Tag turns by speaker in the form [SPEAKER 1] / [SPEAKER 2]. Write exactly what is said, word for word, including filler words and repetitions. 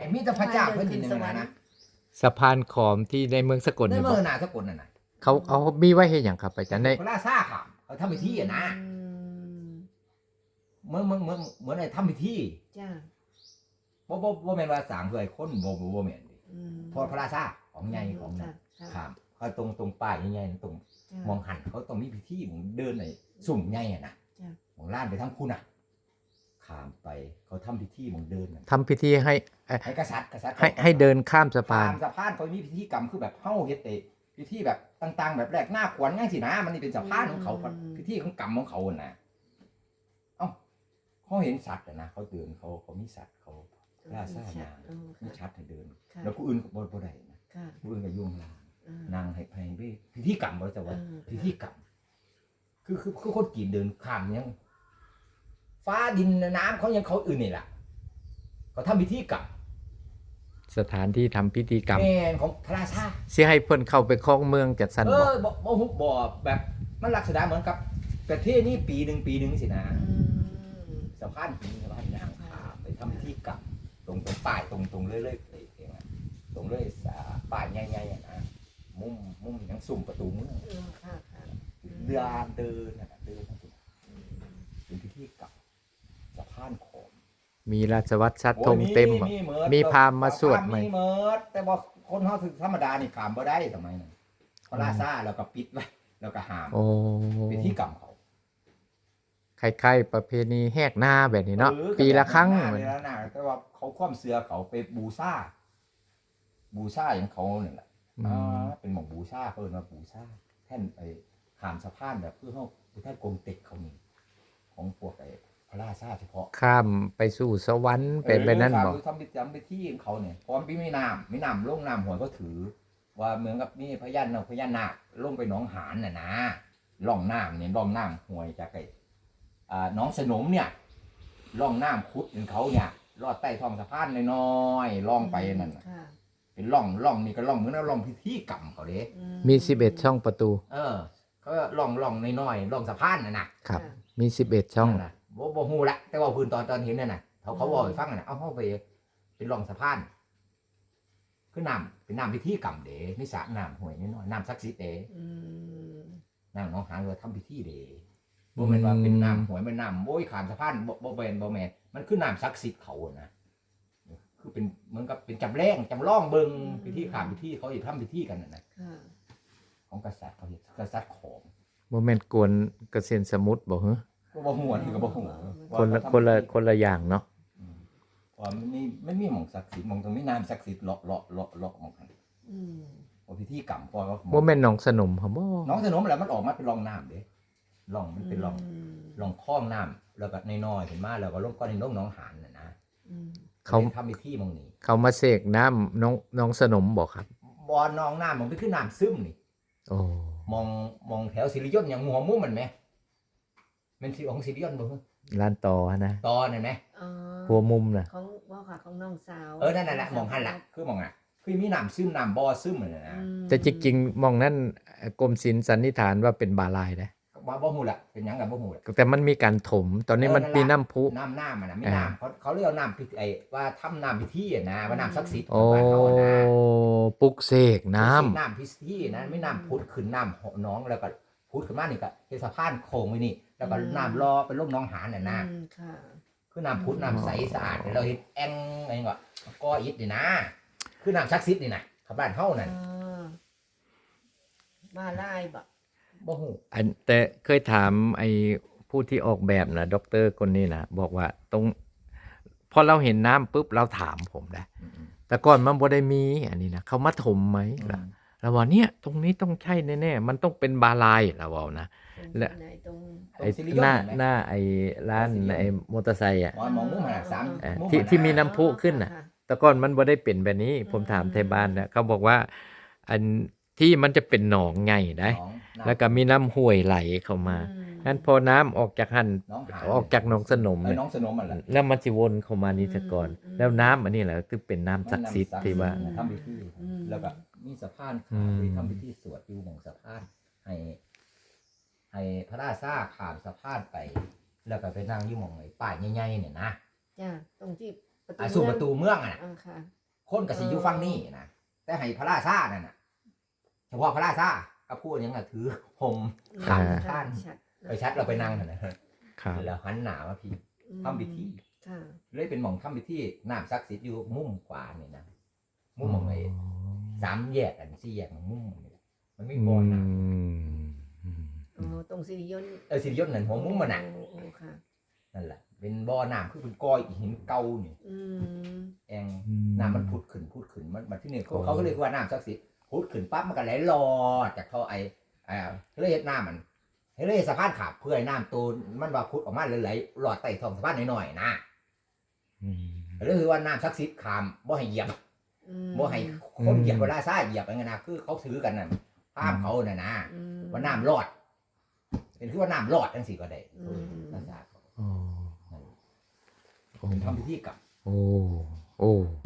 [SPEAKER 1] มีแต่พระเจ้าเพิ่นนี่นึงนะ
[SPEAKER 2] สะพานขอมที่ในเมืองสกล
[SPEAKER 1] ใน
[SPEAKER 2] นี่
[SPEAKER 1] เมื
[SPEAKER 2] บ่
[SPEAKER 1] องน่ะสกลนั่นน่ะ
[SPEAKER 2] เขาเอามีไว้เฮ็ดหยังครับอาจารย์ใน
[SPEAKER 1] พระราชาค่ะเขาทำพิธีอ่ะนะเหมือนเหมือนเหมือนเหมือนไอ้ทำพิธี
[SPEAKER 3] จ้า
[SPEAKER 1] บ่บ่บ่แม่นว่าสร้างเพื่อให้คนบ่บ่บ่แม่นดิพอพระราชาของใหญ่ของนั่นครับเขาตรงตรงป้ายใหญ่ๆตรงมองหันเขาต้องมีพิธีผมเดินไอ้สุ่มใหญ่อ่ะนะของล้านไปทางคุณน่ะข้ามไปเขาทำพิธีผมเดินน่ะ
[SPEAKER 2] ทำพิธีให้เอ่อ
[SPEAKER 1] ให้กษัตริย์กษัตริย์
[SPEAKER 2] ให้ให้เดินข้ามสะพา
[SPEAKER 1] ข้าน มสะพานเขามีพิธีกรรมคือแบบเฮาเฮ็ดไอ้พิธีแบบต่างๆแบบแรกหน้าขวัญจังซี่นะมันนี่เป็นสะพานของเขาพิธีของกรรมของเขาน่ะเอ้าเขาเห็นสัตว์อ่ะนะเขาเดินเขาเขามีสัตว์เขาล่าซ่านางมีชัดให้เดินแล้วผู้อื่นก็บ่บ่ได้นะผู้อื่นก็ยุ่งลางนางให้ให้พิธีกรรมบ่จะว่าพิธีกรรมคือคือคือคนกีนเดินข้ามยังฟ้าดินน้ำเขายังเขาอื่นนี่แหละเขาทำพิธีกรรม
[SPEAKER 2] สถานที่ทำพิธีกรรม
[SPEAKER 1] แม่นของพระราชา
[SPEAKER 2] สิให้เพิ่นเข้าไปครองเมืองจัดสรร
[SPEAKER 1] เอ
[SPEAKER 2] บ่
[SPEAKER 1] อบ่บ่ฮุบบ่แบบมันลักษณะเหมือนกับประเทศนี้ปีหนึ่งปีหนึ่งสินะสะพานปีสะพานยางขาไปทำพิธีกรรมตรงตรงป้ายตรงตรงเรื่อยๆเลยเองอะตรงเรื่อยสาป้ายใหญ่ๆอะนะมุมมุมยังสุ่มประตูเมืองเดินเดินนะเดินทั้งตัวเป็นพิธีกรรมสะพานขอม
[SPEAKER 2] มีราชวัตรชัดธงเต็มบ่มีพราหมณ์มาสวดไหม
[SPEAKER 1] มีเมิดแต่ว่าคนเฮาคือธรรมดานี่ขามบ่ได้สมัยนั้นพระราชาแล้วก็ปิดไว้แล้วก็ห้าม
[SPEAKER 2] โอ้
[SPEAKER 1] พิธีกรรมเขา
[SPEAKER 2] คล้ายๆประเพณีแหกหน้าแบบนี้เนาะ
[SPEAKER 1] ออ
[SPEAKER 2] ปีละครั้ง
[SPEAKER 1] ก็แบบนั้นนะนะแต่ว่าเขาคว่ำเสือเขาไปบูชาบูชาอย่างเขาเนี่ยแหละ
[SPEAKER 2] อืม
[SPEAKER 1] อ่าเป็นหมองบูชาเพิ่นมาบูชาแท่นไอ้ขามสะพานแบบเพื่อเฮาแท่นกงเต็กเขานี่ของพวกไอ้พระราชาเฉพาะ
[SPEAKER 2] ข้ามไปสู่สวรรค์เป็นแบบนั้นบ่
[SPEAKER 1] เออทำพิธีทำพิธีของเขาเนี่ยพร้อมพี่ไม่น้ำไม่น้ำลงน้ำหวยก็ถือ ว่าเหมือนกับนี่พญานาคพญานาคลงไปหนองหานน่ะนะล่องน้ำเนี่ยล่องน้ำหวยจากไอ้อ่าหน้องสนมเนี่ยล่องน้ำคุดเป็นเขาเนี่ยลอดใต้ท้องสะพานน้อยๆล่องไปนั่นน่ะเป็นล่องล่องนี่ก็ล่องเหมือนกับล่องพิธีกรรมเขาเด้
[SPEAKER 2] มีสิบเอ็ดช่องประตู
[SPEAKER 1] เออเขาล่องล่องน้อยๆล่องสะพานน่ะนะครับ
[SPEAKER 2] มีสิบเอ็ดช่อง
[SPEAKER 1] นั่นน่ะบ่บ่ฮู้ละแต่ว่าพื้นตอนตอนเห็นนั่นน่ะเขาเขาบอกให้ฟังน่ะเอาเฮาไปเป็นล่องสะพานคือน้ำเป็นน้ำพิธีกรรมเด้มีสระน้ำห้วยน้อยๆน้ำศักดิ์สิทธิ์เด้น้ำหนองหานเราทำพิธีเด้บ่แม่นว่าเป็นน้ำห้วยเป็นน้ำโอ้ยขามสะพานบ่บ่แม่นบ่แม่นมันคือน้ำศักดิ์สิทธิ์เขานะคือเป็นเหมือนกับเป็นจำแรงจำลองเบิ่งพิธีขามพิธีเขาสิทำพิธีกันน่ะนะของกษัตริย์เขาเฮ็ดกษัตริย์ของ
[SPEAKER 2] บ่แม่นกวนเกษตรสมุทรบ่ฮะ
[SPEAKER 1] ก็บ่ฮู้อันนี้ก็บ่ฮู้
[SPEAKER 2] คนละคนละคนละอย่างเนาะ
[SPEAKER 1] ว่ามันมีมันมีหม่องศักดิ์สิทธิ์หม่องตรงนี้น้ำศักดิ์สิทธิ์เลาะเลาะเลาะเลาะหม่องกันอืมว่าพิธีกรรมพอเขา
[SPEAKER 2] บ่แม่นหนองสนมครับบ่
[SPEAKER 1] น้องสนมอะไรมันออกมาเป็นร่องน้ำเด้ร่องมันเป็นร่องร่องคลองน้ำแล้วก็น้อยๆขึ้นมาแล้วก็ลงก้อนในลงหนองหานน่ะนะเขาทำพิธีหม่องนี้
[SPEAKER 2] เขามาเสกน้ำน้องน้องสนมบ่ครับ
[SPEAKER 1] บ่อน้องน้ำมันเป็นคือน้ำซึมนี่
[SPEAKER 2] โอ้
[SPEAKER 1] มองมองแถวสิริยนต์อย่างหัวมุมมันไหมมันสิของสิริยนต์บ่ฮะ
[SPEAKER 2] ร้านต่อนะ
[SPEAKER 1] ตอนั่นไหม
[SPEAKER 2] หัวมุมน่ะ
[SPEAKER 3] ของว่าค่ะของน้องสาว
[SPEAKER 1] เออนั่นน่ะแหละมองหันล่ะคือมองอ่ะคือมีน้ำซึมน้ำบ่อซึมนั่นน่ะนะ
[SPEAKER 2] แต่จริงๆมองนั้นกรมศิลป์สันนิษฐานว่าเป็นบาลายนะ
[SPEAKER 1] บ่บ่ฮู้ล่ะเป็นหยังกับบ่ฮู้ล่ะ
[SPEAKER 2] แต่มันมีการถม ตอนนี้มันมีน้ำพุ
[SPEAKER 1] น้ำน้ำมันน่ะมีน้ำเขาเขาเรียกว่าน้ำพิธีไอ้ว่าทำน้ำพิธีอ่ะนะว่าน้ำศักดิ์สิทธิ์ข
[SPEAKER 2] โอ้
[SPEAKER 1] องบ้านเขาอะนะ
[SPEAKER 2] ปลุกเสกน้ำ
[SPEAKER 1] น้ำพิธีนะไม่น้ำพุดขึ้นน้ำหนองแล้วก็พุดขึ้นมานี่ก็เฮ็ดสะพานโค้งไว้นี่แล้วก็น้ำรอเป็นลงหนองหานน่ะนะ
[SPEAKER 3] ค่ะ
[SPEAKER 1] คือน้ำพุดน้ำใสสะอาดเนี่ยเราเฮ็ดแอ่งอะไรก็ก่ออิฐนี่นะคือน้ำศักดิ์สิทธิ์นี่นะชาวบ้านเฮานั่น
[SPEAKER 3] มาไล่บ่
[SPEAKER 1] บ่ฮู้
[SPEAKER 2] อันแต่เคยถามไอ้ผู้ที่ออกแบบนะด็อกเตอร์คนนี้นะบอกว่าตรงพอเราเห็นน้ำปุ๊บเราถามผมนะแต่ก่อนมันบ่ได้มีอันนี้นะเขามาถมไหมล่ะเราบอกเนี่ยตรงนี้ต้องใช่แน่ๆมันต้องเป็นบาลายเราบอกนะและ
[SPEAKER 3] ตรง
[SPEAKER 2] ไอ้หน้าหน้าไอ้ร้านไอ้มอเตอร์ไซค์อ่ะ
[SPEAKER 1] มองมองมุมหั่นน่ะสาม
[SPEAKER 2] เอ่อ
[SPEAKER 1] มุม
[SPEAKER 2] ที่
[SPEAKER 1] หั่นน่ะ
[SPEAKER 2] ที่มีน้ำพุขึ้นน่ะ แต่ก่อนมันบ่ได้เป็นแบบนี้ ผมถามไทยบ้านนะเขาบอกว่า อันที่มันจะเป็นหนองไงได้
[SPEAKER 1] หนองน้ำ
[SPEAKER 2] แล้วก็มีน้ำห้วยไหลเข้ามางั้นพอน้ำออกจากหัน
[SPEAKER 1] หนองหาน
[SPEAKER 2] ออกจากหนองสนม
[SPEAKER 1] เอ้ย
[SPEAKER 2] เนี่ย
[SPEAKER 1] หนองสนมมันล่ะ
[SPEAKER 2] แล้วมันสิวนเข้ามานี่ซะก่อน แล้วน้ำอันนี้แหละคือเป็นน้ำศักดิ์สิทธิ์ที่ว่า
[SPEAKER 1] ทำพิธีแล้วก็มีสะพาน
[SPEAKER 2] อื
[SPEAKER 1] ขาม
[SPEAKER 2] ม
[SPEAKER 1] ทำพิธีสวดอยู่หม่องสะพานให้ให้พระราชาข้ามสะพานไป แล้วก็ไปนั่งอยู่หม่องไอ้ป้ายใหญ่ๆเนี่ยนะ
[SPEAKER 3] จ้าตรงที่ปประตู
[SPEAKER 1] อ่าสู่
[SPEAKER 3] เมื
[SPEAKER 1] ป
[SPEAKER 3] อง
[SPEAKER 1] ระตูเมืองอ่ะนะ
[SPEAKER 3] อ่าค่ะ
[SPEAKER 1] คนก็สิอยู่ฝั่งนี้นะแต่ให้พระราชานั่นน่ะเฉพาะพระราชาก็พูดอย่างนั้นถือห่ม
[SPEAKER 2] ค่ะ
[SPEAKER 1] ท่าน
[SPEAKER 3] ชัด
[SPEAKER 1] ไปชัดเราไปนั่งกันนะ
[SPEAKER 2] ครับ
[SPEAKER 1] แล้วหันหน้ามาพี่
[SPEAKER 3] อืม
[SPEAKER 1] ทำพิธี
[SPEAKER 3] ค่ะ
[SPEAKER 1] เลยเป็นหม่องทำพิธีน้ำศักดิ์สิทธิ์อยู่มุมขวานี่นะมุมหม่องไอ้สามแยกอันสี่แยกมุมนี่มันไม่
[SPEAKER 2] อื
[SPEAKER 1] บ่อน้
[SPEAKER 2] มอืม
[SPEAKER 3] อ๋อตรงสิริยนต์
[SPEAKER 1] ำเออสิริยศนั่นหัวมุมมันน่ะ
[SPEAKER 3] โอ้โอ้ค่ะ
[SPEAKER 1] นั่นแหละเป็นบ่อน้ำคือเป็นก้อยหินเก่านี่
[SPEAKER 3] อืม
[SPEAKER 1] แองน้ำมันผุดขึ้นผุดขึ้นมันมันที่นี่เขาเขาก็เลยว่าน้ำศักดิ์สิทธิ์ผุดขึ้นปั๊บมันก็ไหลลอดจากท่อไอ้อ่าเลยเฮ็ดน้ำมันให้เลยสะพานขาบเพื่อให้น้ำตูนมันว่าผุดออกมาเลยไหลหลอดใต้ท้องสะพานหน่อยๆนะ
[SPEAKER 2] อืม
[SPEAKER 1] เลยคือว่าน้ำศักดิ์สิทธิ์ขามบ่ให้เหยียบ
[SPEAKER 3] อืม
[SPEAKER 1] บ่ให้คนเหยียบเวลาซ่าเหยียบอะไรเงี้ยนะคือเขาถือกันน่ะห้ามเขาน่ะนะ
[SPEAKER 3] อืม
[SPEAKER 1] ว่าน้ำรอด เป็นคือว่าน้ำรอดจังสิก็ได้
[SPEAKER 3] อืม
[SPEAKER 1] ภาษาเขา
[SPEAKER 2] โอ้โอ้
[SPEAKER 1] เป็นทำพิธีกรรม
[SPEAKER 2] โอ้โอ้